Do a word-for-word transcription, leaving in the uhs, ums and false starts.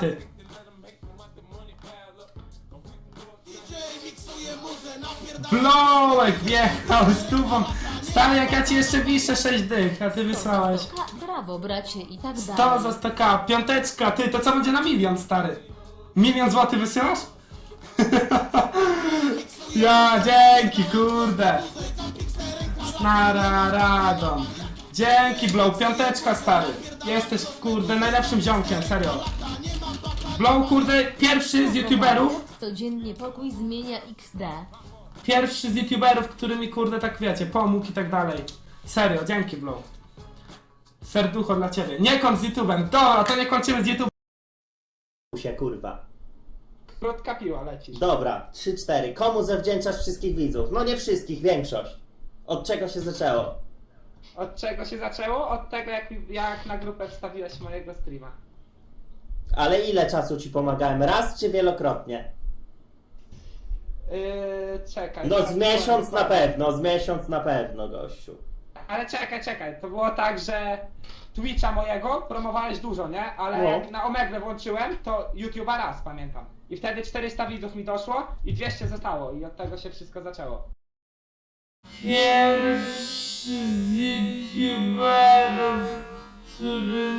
karty. Blowek wjechał z tubą. Stary, jak ja ci jeszcze wiszę sześć dych, a ty wysłałeś. Brawo, bracie, i tak sto dalej. za sto ka, piąteczka, ty, to co będzie na milion, stary? Milion złotych wysyłasz? Ja, dzięki, kurde. Snara Radon. Dzięki, Blow, piąteczka, stary. Jesteś, kurde, najlepszym ziomkiem, serio. Blow, kurde, pierwszy z youtuberów, Codziennie pokój zmienia iks de. pierwszy z youtuberów, który mi, kurde, tak wiecie, pomógł i tak dalej. Serio, dzięki, Blow. Serducho dla ciebie. Nie kończ z YouTube'em. Dobra, to nie kończymy z YouTube'em. się kurwa. Krótka piła lecisz. Dobra, trzy cztery. Komu zawdzięczasz wszystkich widzów? No nie wszystkich, większość. Od czego się zaczęło? Od czego się zaczęło? Od tego, jak, jak na grupę wstawiłeś mojego streama. Ale ile czasu ci pomagałem? Raz czy wielokrotnie? Yy, czekaj. No tak, z miesiąc powiem, na pewno, z miesiąc na pewno, gościu. Ale czekaj, czekaj. To było tak, że Twitcha mojego promowałeś dużo, nie? Ale No. jak na Omegle włączyłem, to YouTube'a raz, pamiętam. I wtedy czterysta widzów mi doszło i dwieście zostało. I od tego się wszystko zaczęło. Pierwszy z YouTuberów, który